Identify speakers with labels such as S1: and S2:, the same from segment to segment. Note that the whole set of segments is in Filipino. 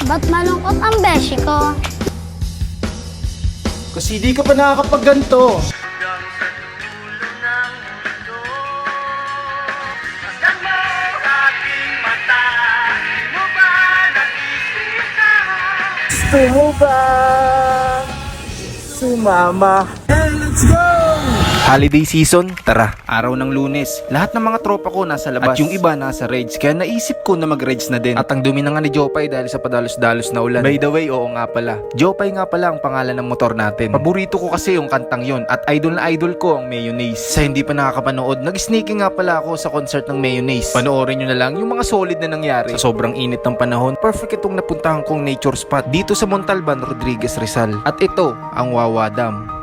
S1: Ba't malungkot ang beshi ko?
S2: Kasi di ka pa nakakapagganto. Gusto mo ba sumama? Let's go! Holiday season, tara, araw ng Lunes. Lahat ng mga tropa ko nasa labas at yung iba nasa raids, kaya naisip ko na mag-raids na din. At ang dumi na nga ni Jopay dahil sa padalos-dalos na ulan. By the way, oo nga pala, Jopay nga pala ang pangalan ng motor natin. Paborito ko kasi yung kantang yon at idol na idol ko ang Mayonnaise. Sa hindi pa nakakapanood, nag-sneaking nga pala ako sa concert ng Mayonnaise. Panoorin nyo na lang yung mga solid na nangyari. Sa sobrang init ng panahon, perfect itong napuntahan kong nature spot dito sa Montalban, Rodriguez, Rizal. At ito, ang Wawa Dam.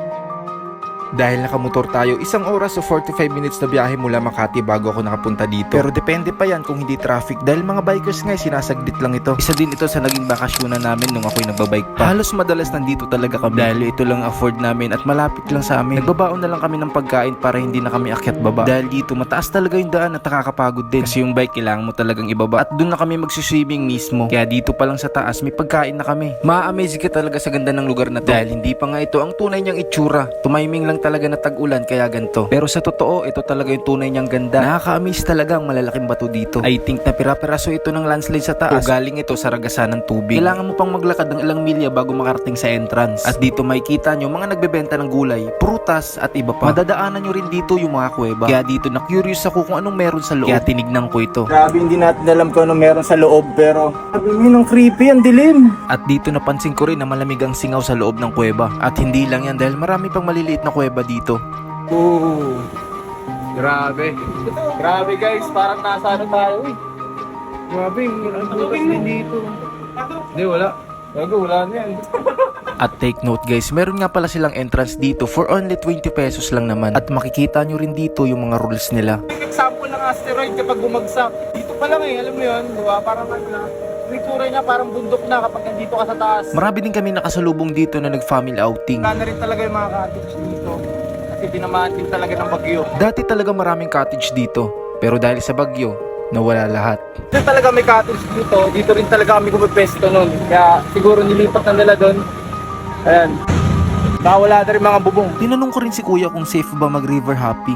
S2: Dahil nakamotor tayo, 1 oras o 45 minutes na biyahe mula Makati bago ako nakapunta dito. Pero depende pa yan kung hindi traffic dahil mga bikers nga sinasaglit lang ito. Isa din ito sa naging bakasyonan namin nung ako'y nagbabike pa. Halos madalas nandito talaga kami dahil ito lang afford namin at malapit lang sa amin. Nagbabaon na lang kami ng pagkain para hindi na kami akyat baba. Dahil dito mataas talaga yung daan at nakakapagod din. Kasi yung bike kailangan mo talagang ibaba at doon na kami magsiswimming mismo. Kaya dito pa lang sa taas may pagkain na kami. Ma-amaze ka talaga sa ganda ng lugar na to. Dahil hindi pa nga ito ang tunay niyang itsura. Tumiming lang talaga na tag-ulan kaya ganito. Pero sa totoo, ito talaga yung tunay niyang ganda. Nakaka-amaze talaga ang malalaking bato dito. I think na pira-piraso ito ng landslide sa taas o galing ito sa ragasan ng tubig. Kailangan mo pang maglakad ng ilang milya bago makarating sa entrance. At dito makikita nyo mga nagbebenta ng gulay, prutas at iba pa. Madadaanan nyo rin dito yung mga kuweba. Kaya dito na curious ako kung anong meron sa loob. Kaya tinignan ko ito. Grabe, hindi natin alam kung anong meron sa loob pero sabi mo creepy, ang dilim. At dito napansin ko rin na malamig ang singaw sa loob ng kuweba. At hindi lang yan dahil marami pang maliliit na kuweba dito.
S3: Oh, grabe. Grabe guys, parang nasa ano tayo eh. Grabe, ang bukas din dito. Hindi, wala. Wala na yan.
S2: At take note guys, meron nga pala silang entrance dito for only 20 pesos lang naman. At makikita nyo rin dito yung mga rules nila.
S3: Example ng asteroid kapag bumagsak. Dito pa lang eh, alam mo yun, diba? Parang ano na. Itsura niya parang bundok na kapag nandito ka sa taas.
S2: Marami din kami nakasalubong dito na nag-family outing.
S3: Wala na rin talaga yung mga cottage dito. Kasi dinamaan din talaga ng bagyo.
S2: Dati talaga maraming cottage dito, pero dahil sa bagyo, nawala lahat.
S3: Dito talaga may cottage dito. Dito rin talaga kami pumipesto nun. Kaya siguro nilipat na nila doon. Ayan. Wala na rin mga bubong.
S2: Tinanong ko rin si kuya kung safe ba mag-river hopping.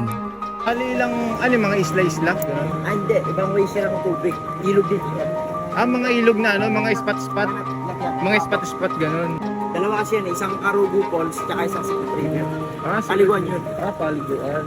S3: Mga isla-isla?
S4: Hindi, ibang way siya ng tubig. Ilog din.
S3: Mga ilog na mga spot-spot. Mga spot-spot ganun.
S4: Dalawa kasi yan, isang Karugu Falls, tsaka isang Secret River.
S3: Sige.
S4: Paliguan yun.
S3: Paliguan.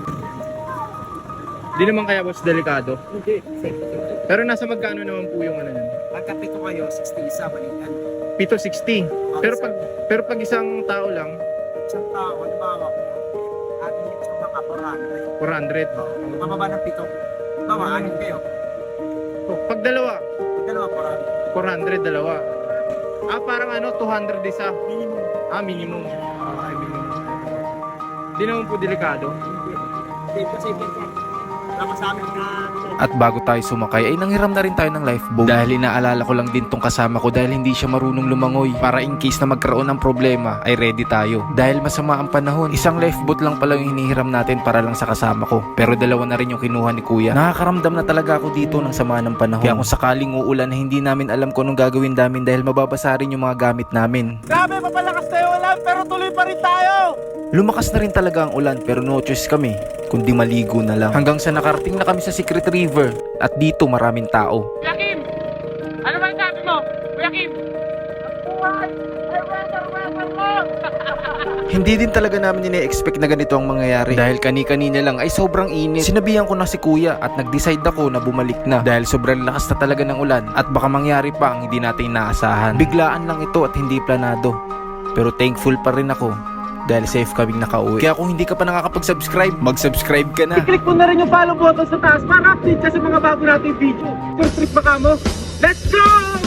S3: Di naman kaya boss delikado.
S4: Hindi, safe.
S3: Pero nasa magkano naman po yung ano nun?
S4: Pagkapito kayo, 60 isa, balikan.
S3: 760. Pero pag isang tao lang,
S4: Isang tao, halimbawa, atin yung isang baka,
S3: 400.
S4: 400. Mababa ng pito. Bawa, anin kayo.
S3: Pag dalawa,
S4: Dalawa,
S3: 400 dalawa. Parang 200 isa.
S4: 400. Minimum.
S3: Minimum. Minimum. Di naman po delikado.
S4: Safe pa, safe yan. Tama sa amin na...
S2: At bago tayo sumakay ay nanghiram na rin tayo ng lifeboat. Dahil inaalala ko lang din tong kasama ko dahil hindi siya marunong lumangoy. Para in case na magkaroon ng problema ay ready tayo. Dahil masama ang panahon, isang lifeboat lang pala yung hinihiram natin para lang sa kasama ko. Pero dalawa na rin yung kinuha ni kuya. Nakakaramdam na talaga ako dito ng sama ng panahon. Kaya kung sakaling uulan na hindi namin alam kung anong gagawin namin dahil mababasa rin yung mga gamit namin.
S3: Grabe, papalakas tayo ulan pero tuloy pa rin tayo!
S2: Lumakas na rin talaga ang ulan pero no choice kami kundi maligo na lang. Hanggang sa nakarating na kami sa Secret River at dito maraming tao.
S3: Kuya Kim! Ano ba sabi mo? Kuya Kim!
S2: Hindi din talaga namin ine-expect na ganito ang mangyayari dahil kani-kanina lang ay sobrang init. Sinabihan ko na si kuya at nag-decide ako na bumalik na dahil sobrang lakas na talaga ng ulan at baka mangyari pa ang hindi natin inaasahan. Biglaan lang ito at hindi planado. Pero thankful pa rin ako dahil safe kaming nakauwi. Kaya kung hindi ka pa nakakapag-subscribe, mag-subscribe ka na.
S3: I-click mo na rin yung follow button sa taas para update ka sa mga bago nating video. First trip ba ka mo? Let's go!